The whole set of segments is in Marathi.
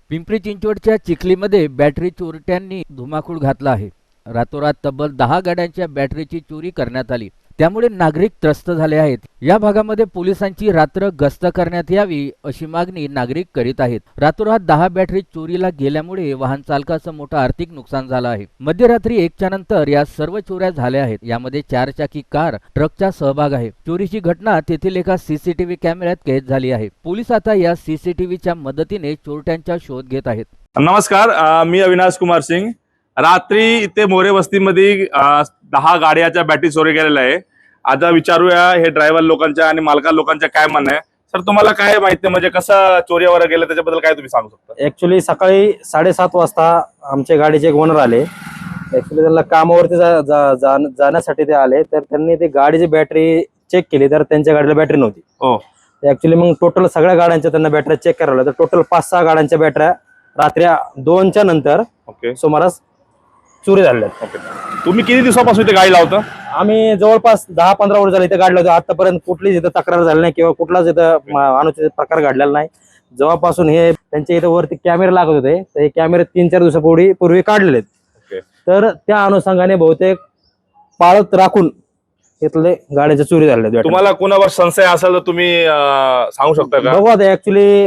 पिंपरी चिंचवडच्या चिखलीमध्ये बॅटरी चोरट्यांनी धुमाकूळ घातला आहे। रातोरात तब्बल 10 गाड्यांच्या बॅटरीची चोरी करण्यात आली। त्यामुळे नागरिक त्रस्त झाले आहेत। या भागामध्ये पोलिसांची रात्र गस्त करण्यात यावी अशी मागणी नागरिक करीत आहेत। रातोरात 10 बॅटरी चोरीला गेल्यामुळे वाहन चालकाचं मोठं आर्थिक नुकसान झालं आहे। मध्यरात्री 1च्या नंतर या सर्व चोऱ्या झाल्या आहेत। यामध्ये 4 चाकी कार ट्रकचा सहभाग आहे। चोरीची घटना तेथील एका सीसीटीव्ही कॅमेऱ्यात कैद झाली आहे। पोलीस आता या सीसीटीव्हीच्या मदतीने चोरट्यांचा शोध घेत आहेत। नमस्कार, मी अविनाश कुमार सिंग। रात्री इथे मोरे वस्तीमध्ये 10 गाड्याच्या बॅटरी चोरी गेलेल्या आहे। आता विचारूया हे ड्रायव्हर लोकांच्या आणि मालका लोकांच्या काय म्हणणं आहे। सर, तुम्हाला काय माहिती म्हणजे कसं चोरी वगैरे गेलं त्याच्याबद्दल काय तुम्ही सांगू शकता? ऍक्च्युली सकाळी 7:30 वाजता आमच्या गाडीचे एक ओनर आले। ऍक्च्युली त्यांना कामावरती जाण्यासाठी ते आले, तर त्यांनी ते गाडीची बॅटरी चेक केली तर त्यांच्या गाडीला बॅटरी नव्हती। हो, ऍक्च्युली मग टोटल सगळ्या गाड्यांच्या त्यांना बॅटरी चेक करावं तर टोटल 5-6 गाड्यांच्या बॅटऱ्या रात्री 2च्या नंतर सुमारास चोरी झाल्या। तुम्ही किती दिवसापासून इथे गाडी लावता? आम्ही जवळपास 10-15 वर्ष झाले इथे गाडी लावतो। आतापर्यंत कुठलीच इथं तक्रार झाली नाही किंवा कुठलाच इथं अनुचित प्रकार घडलेला नाही। जेव्हापासून हे त्यांच्या इथं वरती कॅमेरे लागत होते, तर हे कॅमेरे 3-4 दिवसापूर्वी काढलेले आहेत। तर त्या अनुषंगाने बहुतेक पाळत राखून इथले गाड्याच्या चोरी झाल्या। तुम्हाला कोणावर संशय असेल तर तुम्ही सांगू शकता का? बघू आता ऍक्च्युली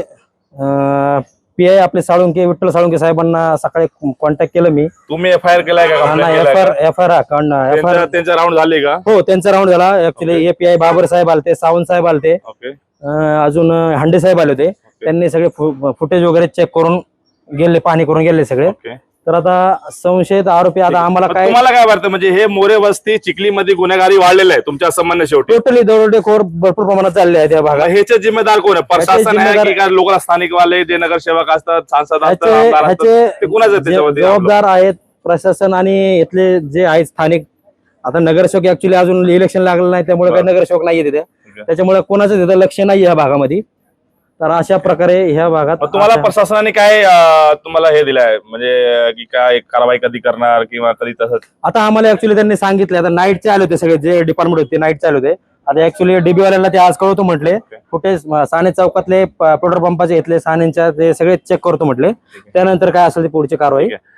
पीआय आपले साळुंके, विठ्ठल साळुंके साहेबांना सकाळी कॉन्टॅक्ट केलं मी। तुम्ही एफआयआर केलाय का? एफआयआर त्यांचा राऊंड झाले का? हो, त्यांचा राऊंड झाला। ऍक्च्युली एपीआय बाबर साहेब आलते, सावंत साहेब आलते, अजून हांडे साहेब आले होते। त्यांनी सगळे फुटेज वगैरे चेक करून गेले, पाहणी करून गेले सगळे। तर आता संशयित आरोपी आता आम्हाला काय, तुम्हाला काय वाटतं म्हणजे हे मोरे वस्ती चिखलीमध्ये गुन्हेगारी वाढलेलं आहे तुमच्या संबंध? शेवटी टोटली दरोडेखोर भरपूर प्रमाणात चालले आहेत या भागात। ह्याचे जिम्मेदार कोण आहे? प्रशासन आहे की काय लोक स्थानिक वाले जे नगरसेवक असतात, सांसद असतात, आमदार असतात, ते कुणाचं त्याच्यावरती जबाबदार आहेत? प्रशासन आणि इथले जे आहेत स्थानिक। आता नगरसेवक ऍक्च्युली अजून इलेक्शन लागलं नाही, त्यामुळे काही नगरसेवक नाहीये तिथे, त्याच्यामुळे कोणाचं तिथं लक्ष नाही या भागामध्ये। तर अशा प्रकारे ह्या भागात तुम्हाला प्रशासनाने काय तुम्हाला हे दिलंय म्हणजे की काय कारवाई कधी करणार किंवा कधी तसंच? आता आम्हाला ऍक्च्युली त्यांनी सांगितलं, आता नाईटचे आले होते सगळे जे डिपार्टमेंट होते, नाईटचे आले होते। आता ऍक्च्युली डीबी वाल्याला ते आज कळवतो म्हटले, कुठे साने चौकातले पेट्रोल पंपाचे घेतले सानेच्या ते सगळे चेक करतो म्हटले, त्यानंतर काय असेल ती पुढची कारवाई